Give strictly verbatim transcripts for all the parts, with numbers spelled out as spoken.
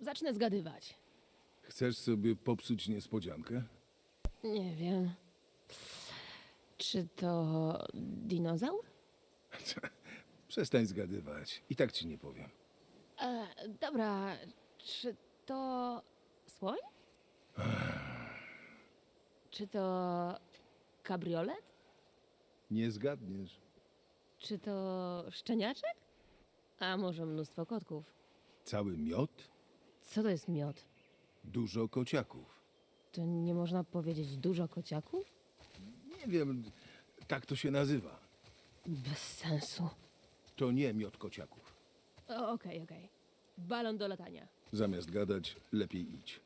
zacznę zgadywać. Chcesz sobie popsuć niespodziankę? Nie wiem. Czy to dinozaur? Przestań zgadywać. I tak ci nie powiem. E, dobra, czy to słoń? Czy to kabriolet? Nie zgadniesz. Czy to szczeniaczek? A może mnóstwo kotków? Cały miod? Co to jest miod? Dużo kociaków. To nie można powiedzieć dużo kociaków? Nie wiem, tak to się nazywa. Bez sensu. To nie miod kociaków. O, Okej, okej. Balon do latania. Zamiast gadać, lepiej idź.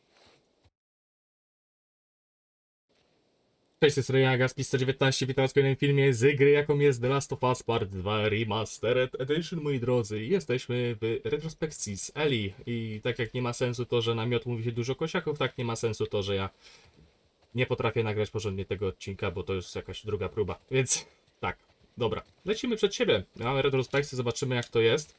Cześć, to jest Rejagas, sto dziewiętnaście, witam was w kolejnym filmie z gry, jaką jest The Last of Us Part dwa Remastered Edition, moi drodzy. Jesteśmy w retrospekcji z Ellie i tak jak nie ma sensu to, że na miot mówi się dużo kosiaków, tak nie ma sensu to, że ja nie potrafię nagrać porządnie tego odcinka, bo to jest jakaś druga próba. Więc tak, dobra, lecimy przed siebie. Mamy retrospekcję, zobaczymy jak to jest.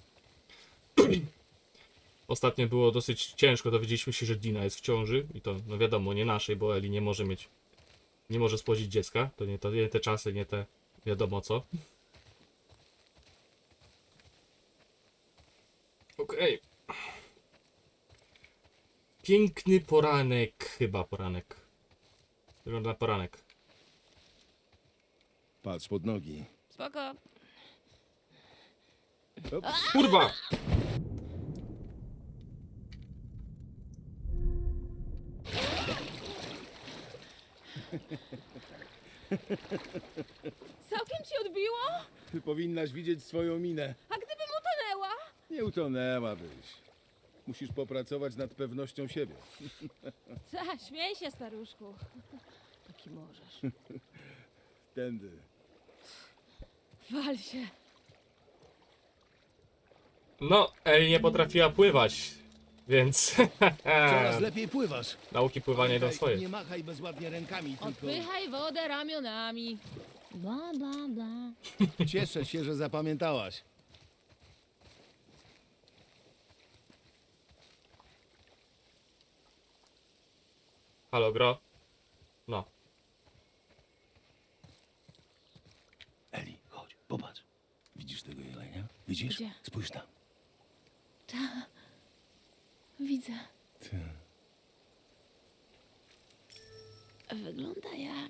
Ostatnio było dosyć ciężko, dowiedzieliśmy się, że Dina jest w ciąży i to, no wiadomo, nie naszej, bo Ellie nie może mieć Nie może spłodzić dziecka, to nie, to nie te czasy, nie te wiadomo co. Okej. Okay. Piękny poranek, chyba poranek. Wygląda na poranek. Patrz pod nogi. Spoko. Ops. Kurwa! Całkiem ci odbiło? Ty powinnaś widzieć swoją minę. A gdybym utonęła? Nie utonęłabyś. Musisz popracować nad pewnością siebie. Ta, śmiej się, staruszku. Taki możesz. Tędy. Wal się. No, Ellie nie potrafiła pływać, więc Coraz lepiej pływasz. nauki pływania idą Pamiętaj, swoje. Nie machaj bezładnie rękami, tylko Odpychaj wodę ramionami. Bla, bla, bla. cieszę się, że zapamiętałaś. Halo, gro? No. Eli, chodź, popatrz. Widzisz tego jelenia? Widzisz? Gdzie? Spójrz tam. Widzę. Ty. Wygląda jak...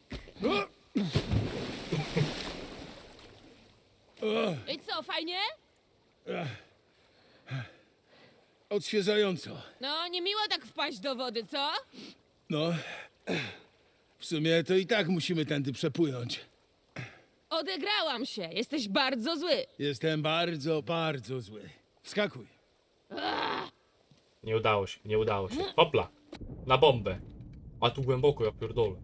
I co, fajnie? Odświeżająco. No, nie miło tak wpaść do wody, co? No, w sumie to i tak musimy tędy przepłynąć. Odegrałam się. Jesteś bardzo zły. Jestem bardzo, bardzo zły. Wskakuj. Nie udało się, nie udało się. Hopla! Na bombę. A tu głęboko, ja pierdolę.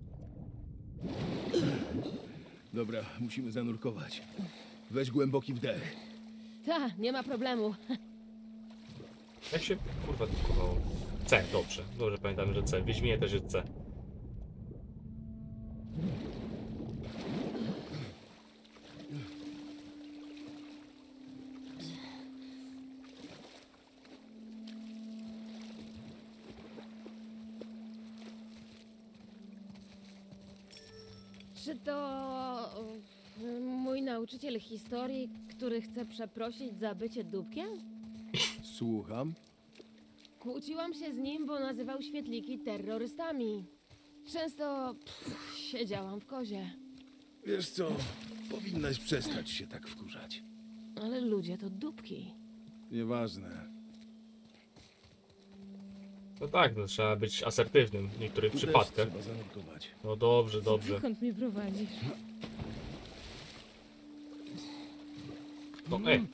Dobra, musimy zanurkować. Weź głęboki wdech. Ta, nie ma problemu. Jak się kurwa drukowało? C, dobrze. Dobrze pamiętamy, że C. W Wiedźminie też jest C. Czy to y, mój nauczyciel historii, który chce przeprosić za bycie dupkiem? Słucham. Kłóciłam się z nim, bo nazywał świetliki terrorystami. Często pff, siedziałam w kozie, Wiesz co, powinnaś przestać się tak wkurzać. ale ludzie to dupki. Nieważne. No tak, no, trzeba być asertywnym w niektórych Tu też przypadkach. trzeba zanurkować. No dobrze, dobrze. Dokąd mnie prowadzisz? No ej.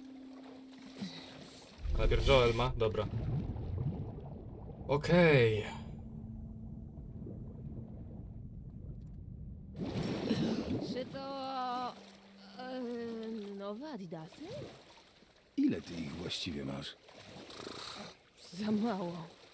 Najpierw Joel ma, dobra. Okej. Czy to y, nowe Adidasy? Ile ty ich właściwie masz? Za mało.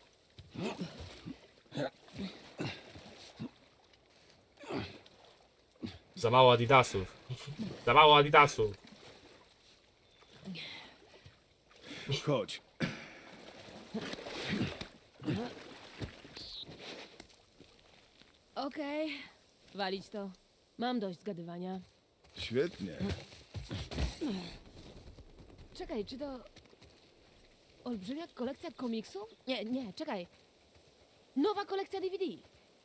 Za mało adidasów. Za mało adidasów. Chodź. Okej, walić to. Mam dość zgadywania. Świetnie. Czekaj, czy to... Olbrzymia kolekcja komiksów? Nie, nie, czekaj. Nowa kolekcja D V D.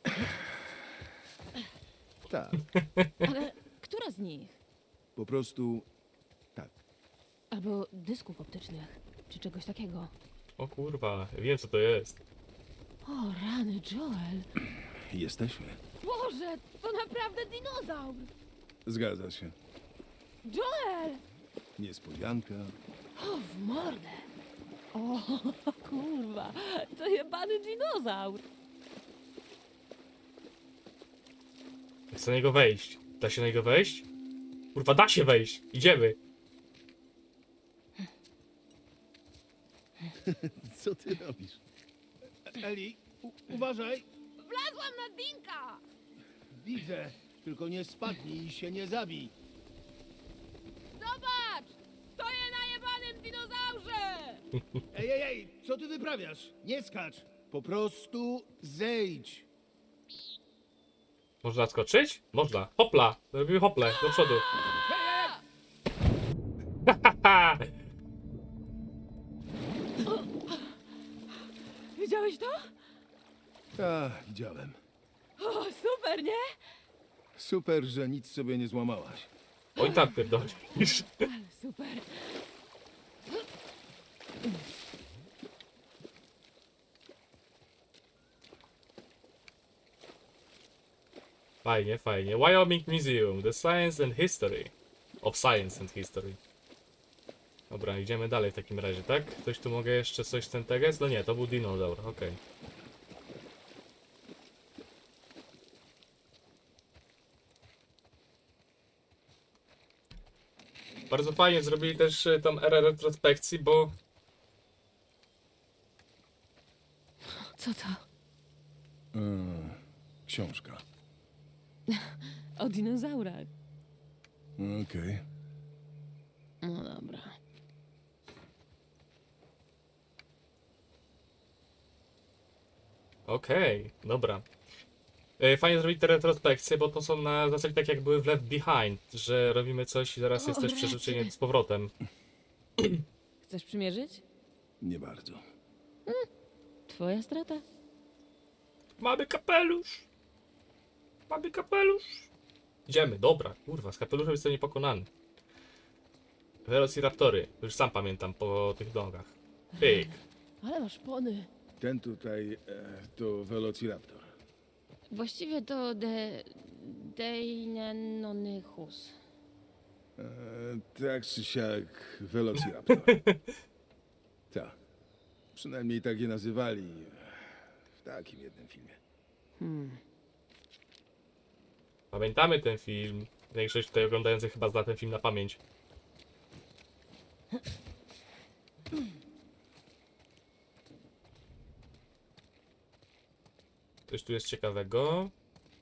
Tak, Ale która z nich? po prostu tak. Albo dysków optycznych, czy czegoś takiego. O kurwa, wiem co to jest. O, rany, Joel. Jesteśmy. Boże, to naprawdę dinozaur! Zgadza się. Joel! Niespodzianka. O, w mordę! O, kurwa, to jebany dinozaur! Chcę na niego wejść. Da się na niego wejść? Kurwa, da się wejść. Idziemy. Co ty robisz? Eli, u- uważaj. Wlazłam na Dinka! Widzę. Tylko nie spadnij i się nie zabij. Zobacz! Stoję na jebanym dinozaurze! Ej, ej, ej, co ty wyprawiasz? Nie skacz. Po prostu zejdź. Można skoczyć? Można. Hopla. Robimy hople do przodu. Haha. Widziałeś to? Tak, widziałem. O, super, nie? Super, że nic sobie nie złamałaś. Oj tam pierdolisz. Ale super. Fajnie, fajnie. Wyoming Museum. The Science and History. Of Science and History. Dobra, idziemy dalej w takim razie, tak? Ktoś tu mogę jeszcze coś z ten teges? No nie, to był dinozaur, okej. Bardzo fajnie zrobili też y, tą erę retrospekcji, bo Co to? Mm, książka. O dinozaurach. Okej. No dobra. okej, dobra. E, Fajnie zrobić te retrospekcje, bo to są na zasadzie tak jak były w Left Behind, że robimy coś i zaraz O, jest też rety. przeżycie z powrotem. Chcesz przymierzyć? Nie bardzo. Twoja strata. Mamy kapelusz! Mamy kapelusz! Idziemy, dobra, kurwa, z kapeluszem jest to niepokonany. Velociraptory, już sam pamiętam po tych nogach. Pyk. Ale masz pony. Ten tutaj e, to Velociraptor. Właściwie to de... Deinenonychus. E, tak czy siak Velociraptor. Tak. Przynajmniej tak je nazywali w takim jednym filmie. Hmm. Pamiętamy ten film. Większość tutaj oglądających chyba zna ten film na pamięć. Coś tu jest ciekawego.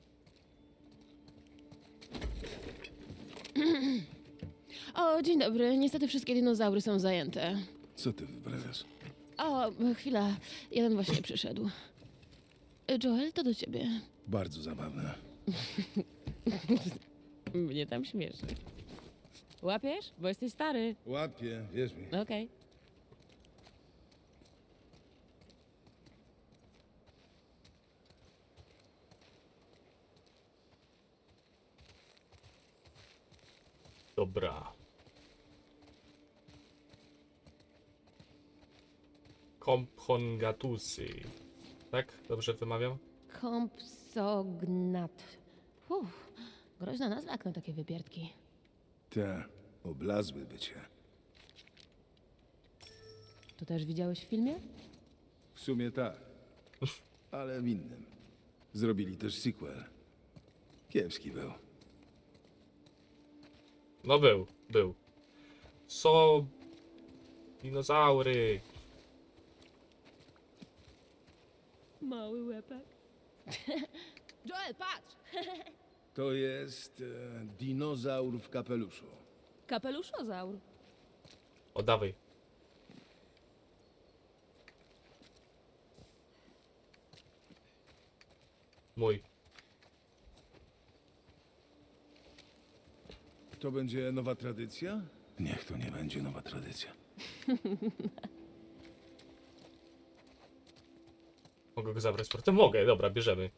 O, dzień dobry. Niestety wszystkie dinozaury są zajęte. Co ty wyprawiasz? O, chwila. Jeden właśnie przyszedł. Joel, to do ciebie. Bardzo zabawne. Mnie tam śmieszy. Łapiesz? Bo jesteś stary. Łapię, wierz mi. Okej. Dobra. Compsognathusy. Tak? Dobrze wymawiam? Kompsognat. Uff, groźna nazwa jak na takie wypierdki. Te, oblazły bycie. To też widziałeś w filmie? W sumie tak. Ale w innym. Zrobili też sequel. Kiepski był. No był, był. Są dinozaury. Mały łepek. Joel, patrz! To jest e, dinozaur w kapeluszu. Kapeluszozaur. O, dawaj. Mój. To będzie nowa tradycja? Niech to nie będzie nowa tradycja. Mogę go zabrać z portem? Mogę, dobra, bierzemy.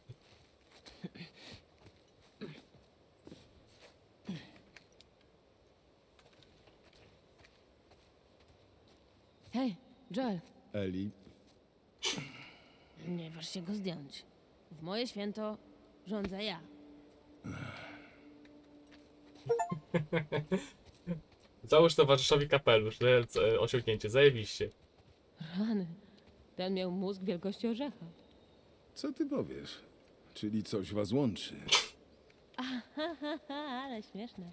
Hej, Joel, Eli, nie waż się go zdjąć. W moje święto rządzę ja. Załóż towarzyszowi kapelusz, e, osiągnięcie, zajebiście. Rany, ten miał mózg wielkości orzecha. co ty powiesz? Czyli coś was łączy. Ale śmieszne.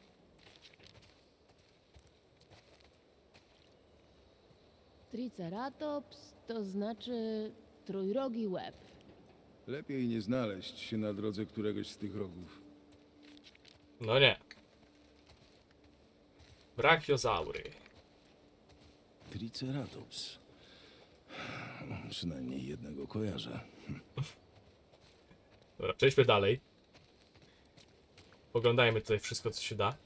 Triceratops to znaczy trójrogi łeb. Lepiej nie znaleźć się na drodze któregoś z tych rogów. No nie. Brachiozaury. Triceratops. Przynajmniej jednego kojarzę. Dobra, przejdźmy dalej. Poglądajmy tutaj wszystko, co się da.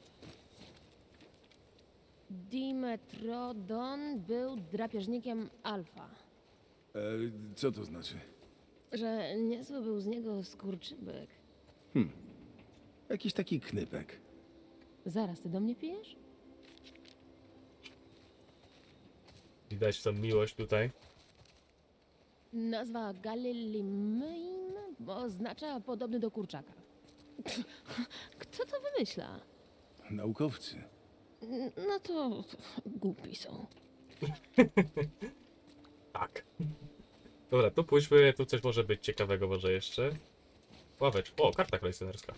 Dimetrodon był drapieżnikiem alfa. E, co to znaczy? Że niezły był z niego skurczybyk. Jakiś taki knypek. Zaraz, ty do mnie pijesz? Widać tą miłość tutaj. Nazwa Galilimyn oznacza podobny do kurczaka. Kto to wymyśla? Naukowcy. N- No to głupi są. Tak. Dobra, tu pójdźmy, tu coś może być ciekawego może jeszcze. Ławecz. O, karta kolekcjonerska.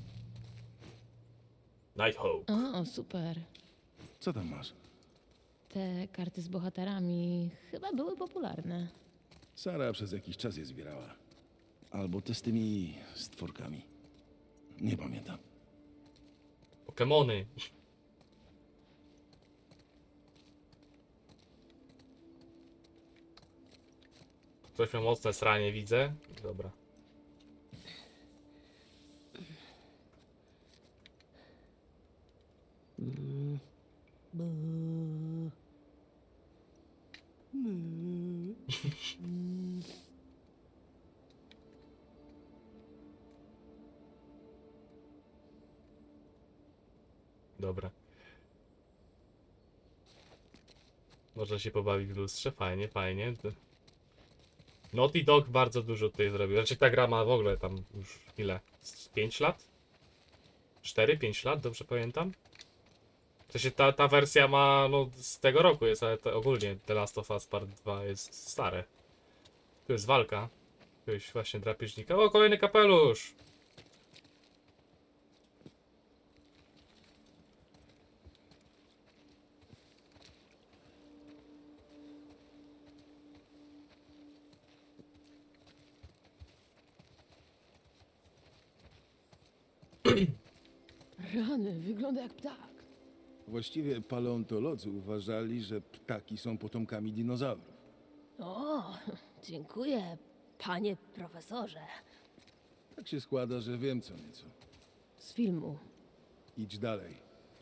Nighthawk. O, super. Co tam masz? Te karty z bohaterami chyba były popularne. Sara przez jakiś czas je zbierała. Albo te z tymi stworkami. Nie pamiętam. Pokemony. Ktoś miał mocne sranie, widzę. Dobra. Dobra. Można się pobawić w lustrze, fajnie, fajnie. Naughty Dog bardzo dużo tutaj zrobił. Znaczy ta gra ma w ogóle tam już ile? Z pięć lat? cztery pięć lat, dobrze pamiętam? W sensie ta, ta wersja ma, no z tego roku jest, ale to ogólnie The Last of Us Part dwa jest stare. Tu jest walka. Tu jest właśnie drapieżnika. O, kolejny kapelusz! Rany, wygląda jak ptak. Właściwie paleontolodzy uważali, że ptaki są potomkami dinozaurów. O, dziękuję, panie profesorze. Tak się składa, że wiem co nieco. Z filmu. Idź dalej.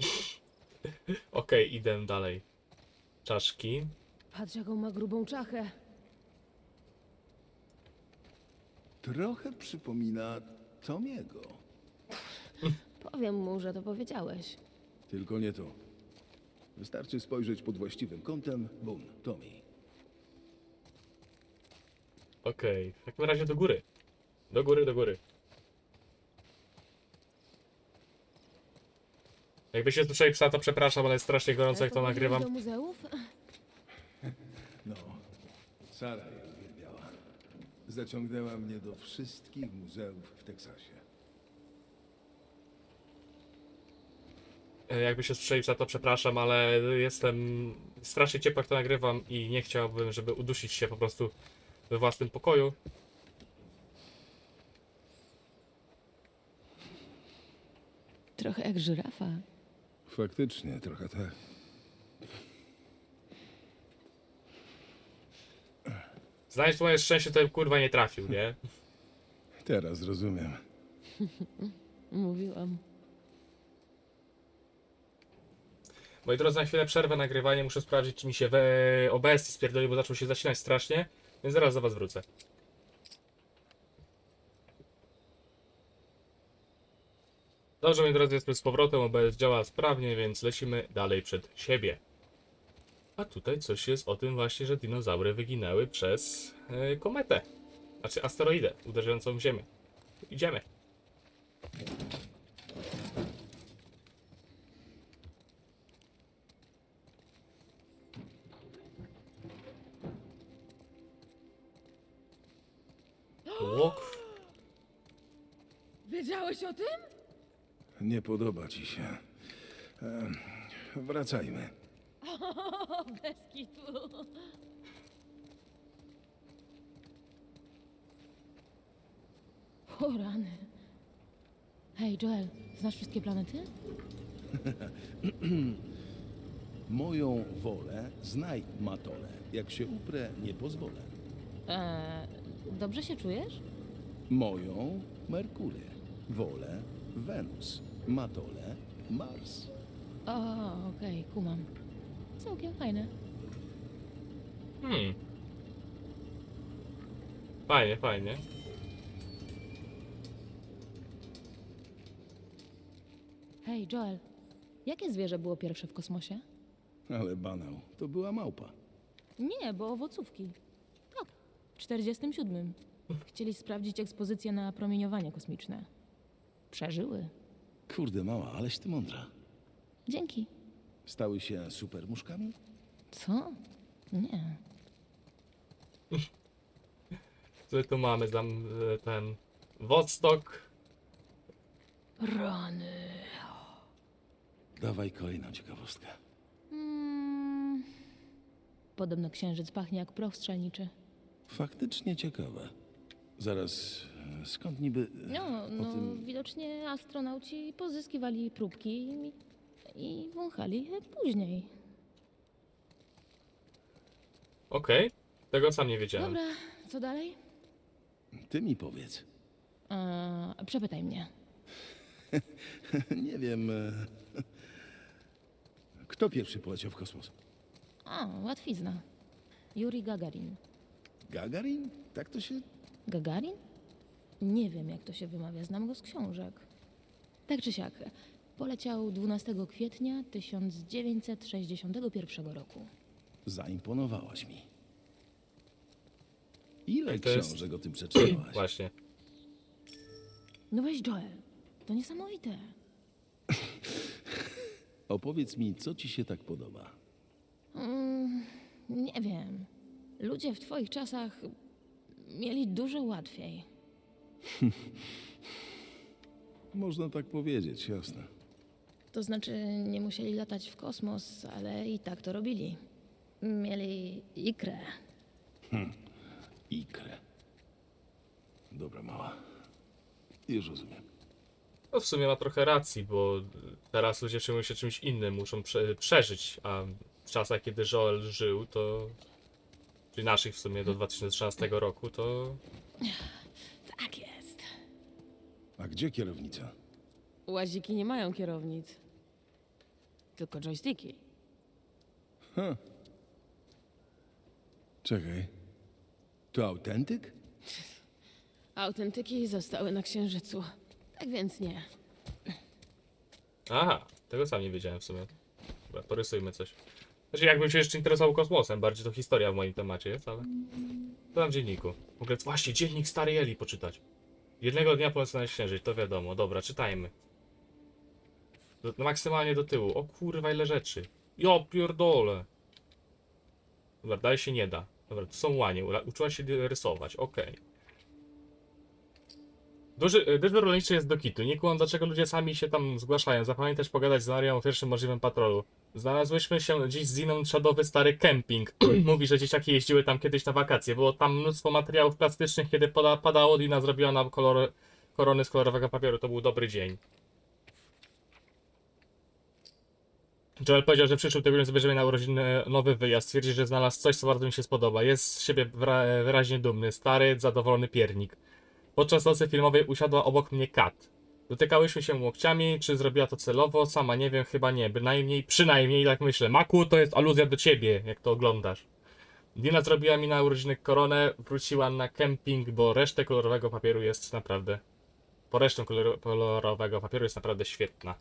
Okej, idę dalej. Czaszki. Patrz, jaką ma grubą czachę. Trochę przypomina Tomiego. Powiem mu, że to powiedziałeś. Tylko nie to. Wystarczy spojrzeć pod właściwym kątem. Bum, Tommy. Okej, w takim razie do góry. Do góry, do góry. Jakby się słyszeli psa, to przepraszam, ale jest strasznie gorąco, jak to Pochodziłeś nagrywam. do muzeów? No, Sara je uwielbiała. Zaciągnęła mnie do wszystkich muzeów w Teksasie. E, Jakby się słyszeli psa, to przepraszam, ale jestem strasznie ciepło, jak to nagrywam i nie chciałbym, żeby udusić się po prostu we własnym pokoju. Trochę jak żyrafa. Faktycznie, trochę tak. Znajdź moje szczęście, to bym kurwa nie trafił, nie? Teraz rozumiem. Mówiłam. Moi drodzy, na chwilę przerwę nagrywanie, muszę sprawdzić, czy mi się we O B S spierdolił, bo zaczął się zacinać strasznie, więc zaraz do was wrócę. Dobrze, moi drodzy, jesteśmy z powrotem, O B S działa sprawnie, więc lecimy dalej przed siebie. A tutaj coś jest o tym właśnie, że dinozaury wyginęły przez e, kometę. Znaczy asteroidę uderzającą w Ziemię. Idziemy. Łok. Wiedziałeś o tym? Nie podoba ci się. Em, wracajmy. O, bez kitu. O rany. Hej, Joel, znasz wszystkie planety? Moją wolę znaj, Matole. Jak się uprę, nie pozwolę. Eee, dobrze się czujesz? Moją Merkury. Wolę Wenus. Matole Mars. O, okej, kumam. Całkiem fajne. Hmm. Fajnie, fajnie. Hej, Joel, jakie zwierzę było pierwsze w kosmosie? Ale banał, to była małpa. Nie, bo owocówki. Tak, w czterdziestym siódmym. Chcieli sprawdzić ekspozycję na promieniowanie kosmiczne. Przeżyły. Kurde mała, aleś ty mądra. Dzięki. Stały się supermuszkami? Co? Nie. Co tu mamy? Tam e, ten Woodstock. Rany. Dawaj kolejną ciekawostkę. Mm. Podobno księżyc pachnie jak proch strzelniczy. Faktycznie ciekawe. Zaraz, e, skąd niby... e, No, o no tym... widocznie astronauci pozyskiwali próbki i, i wąchali je później. Okej. Tego sam nie wiedziałem. Dobra, co dalej? Ty mi powiedz. Eee, przepytaj mnie. Nie wiem... e, Kto pierwszy poleciał w kosmos? A, łatwizna. Juri Gagarin. Gagarin? Tak to się... Gagarin? Nie wiem, jak to się wymawia, znam go z książek. Tak czy siak, poleciał dwunastego kwietnia tysiąc dziewięćset sześćdziesiątego pierwszego roku. Zaimponowałaś mi. Ile I to jest- książek o tym przeczytałaś? Właśnie. No weź, Joel, to niesamowite. Opowiedz mi, co ci się tak podoba. Mm, nie wiem. Ludzie w twoich czasach mieli dużo łatwiej. Można tak powiedzieć, jasne. To znaczy, nie musieli latać w kosmos, ale i tak to robili. Mieli ikrę. Ikrę. Dobra, mała. Już rozumiem. No w sumie ma trochę racji, bo teraz ludzie przejmują się czymś innym, muszą prze przeżyć, a w czasach, kiedy Joel żył, to... Czyli naszych w sumie do dwa tysiące trzynastego roku, to... Tak jest. A gdzie kierownica? Łaziki nie mają kierownic. Tylko joysticki. Ha. Czekaj. To autentyk? Autentyki zostały na Księżycu. Tak więc nie. Aha, tego sam nie wiedziałem w sumie. Dobra, porysujmy coś. Znaczy, jakbym się jeszcze interesował kosmosem, bardziej to historia w moim temacie jest, ale... To tam w dzienniku. W ogóle, właśnie, dziennik Starej Eli poczytać. Jednego dnia polecę na księżyc, to wiadomo. Dobra, czytajmy. Do, no maksymalnie do tyłu. O kurwa, ile rzeczy. Jo, pierdole. Dobra, dalej się nie da. Dobra, to są łanie. Ula- Uczyła się rysować, okej. Duży, dyżur rolniczy jest do kitu. Nie kumam, dlaczego ludzie sami się tam zgłaszają. Zapamiętać pogadać z Marią o pierwszym możliwym patrolu. Znalazłyśmy się dziś z Ziną czadowy stary kemping. Mówi, że dzieciaki jeździły tam kiedyś na wakacje. Było tam mnóstwo materiałów plastycznych, kiedy pada, padało. Dina zrobiła nam kolor, korony z kolorowego papieru. To był dobry dzień. Joel powiedział, że przyszły tygodniu zabierzemy na urodziny nowy wyjazd. Twierdzi, że znalazł coś, co bardzo mi się spodoba. Jest z siebie wyra wyraźnie dumny. Stary, zadowolony piernik. Podczas nocy filmowej usiadła obok mnie Kat. Dotykałyśmy się łokciami, czy zrobiła to celowo? Sama nie wiem, chyba nie. Bynajmniej, przynajmniej tak myślę. Maku, to jest aluzja do ciebie, jak to oglądasz. Dina zrobiła mi na urodziny koronę, wróciła na kemping, bo resztę kolorowego papieru jest naprawdę... Po resztę kolor kolorowego papieru jest naprawdę świetna.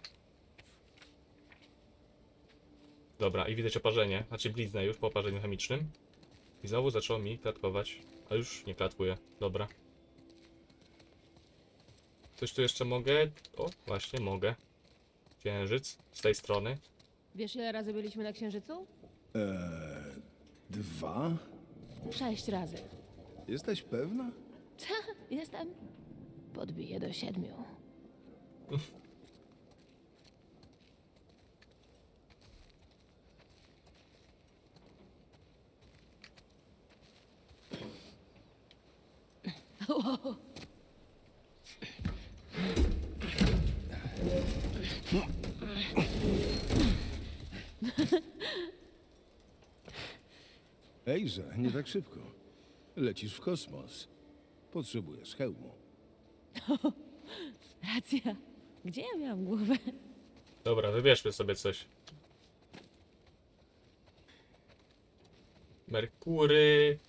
Dobra, i widać oparzenie, znaczy bliznę już po oparzeniu chemicznym. I znowu zaczęło mi klatkować, a już nie klatkuje. Dobra. Coś tu jeszcze mogę? O, właśnie mogę. Księżyc z tej strony. Wiesz, ile razy byliśmy na Księżycu? Eee, dwa? Sześć razy. Jesteś pewna? Jestem. Podbiję do siedmiu. Ejże, nie tak szybko. Lecisz w kosmos. Potrzebujesz hełmu. Racja. Gdzie ja miałam głowę? Dobra, wybierzmy sobie coś. Merkury.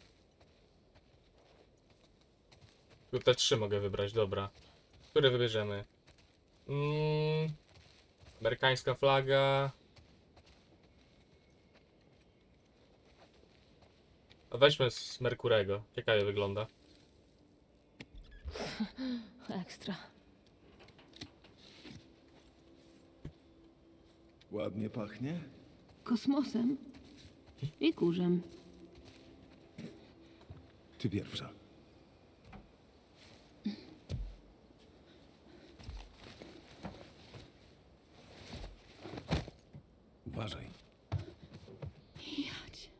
Tu te trzy mogę wybrać, dobra. Które wybierzemy? Mm, amerykańska flaga. A weźmy z Merkurego. Ciekawie wygląda. Ekstra. Ładnie pachnie? Kosmosem i kurzem. Ty pierwsza. Uważaj. Jadź.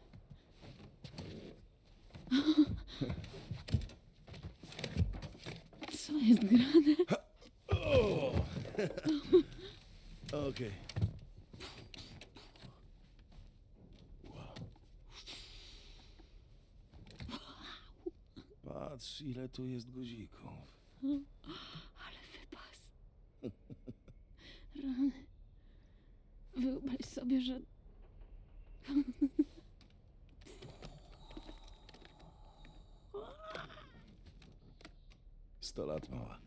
Co jest grane? Okej. Patrz, ile tu jest guzików. Ale wypas. Rany. Wyobraź sobie, że... Sto lat mała.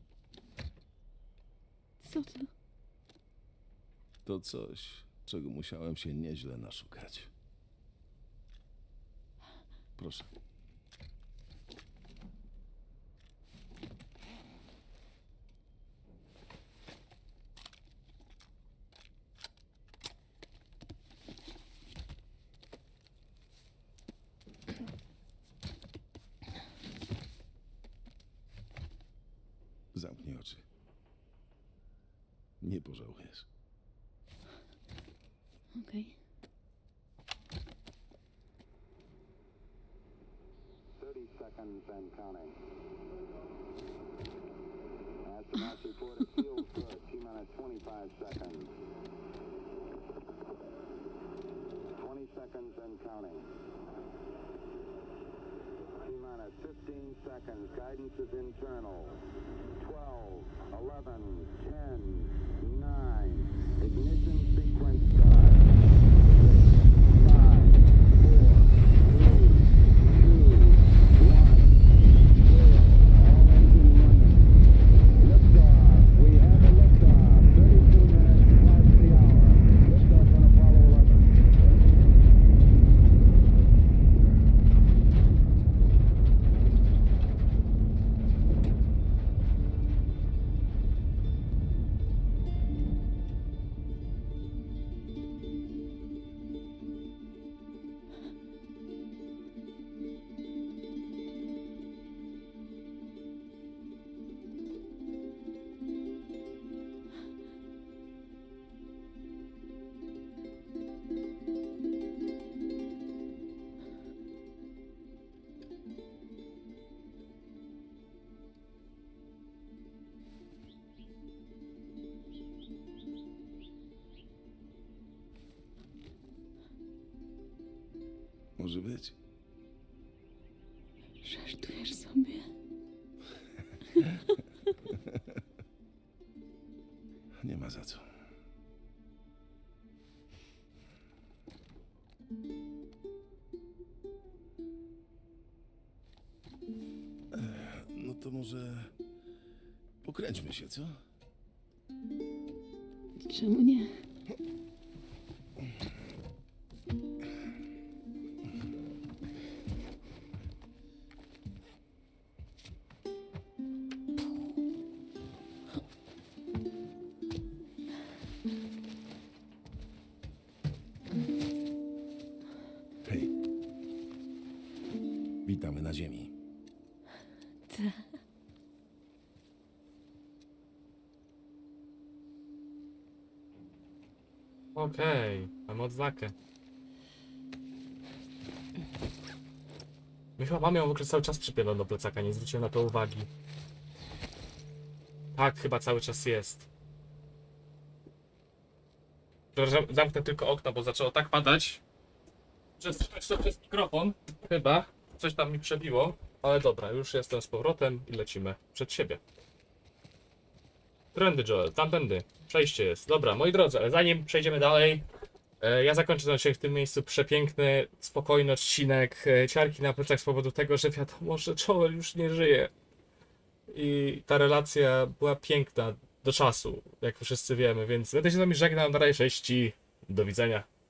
Co to? To coś, czego musiałem się nieźle naszukać. Proszę. Zamknij oczy. Nie pożałujesz. Okej. thirty seconds and counting. Astronauts report it feels good. T minus twenty-five seconds. twenty seconds and counting. T minus fifteen seconds. Guidance is internal. twelve, eleven, ten, nine. Ignition sequence start. five, four, three, two, one, zero. All engine running. Liftoff. We have a liftoff. thirty-two minutes past the hour. Liftoff on Apollo eleven. Może być. Żartujesz sobie? Nie ma za co. Ech, No to może pokręćmy się, co? Czemu nie? Hej. Witamy na ziemi. Okej, mam odznakę. My chyba mamy ją w ogóle cały czas przypiętą do plecaka, nie zwróciłem na to uwagi. Tak, chyba cały czas jest. Przepraszam, zamknę tylko okno, bo zaczęło tak padać. Że słychać to przez mikrofon. Chyba. Coś tam mi przebiło. Ale dobra, już jestem z powrotem i lecimy przed siebie. Trendy, Joel, tamtędy. Przejście jest. Dobra, moi drodzy, ale zanim przejdziemy dalej, e, ja zakończę ten odcinek w tym miejscu. Przepiękny, spokojny odcinek. E, ciarki na plecach z powodu tego, że wiadomo, że Joel już nie żyje. I ta relacja była piękna do czasu, jak wszyscy wiemy, więc będę się z wami żegnał. Na razie, cześć i do widzenia.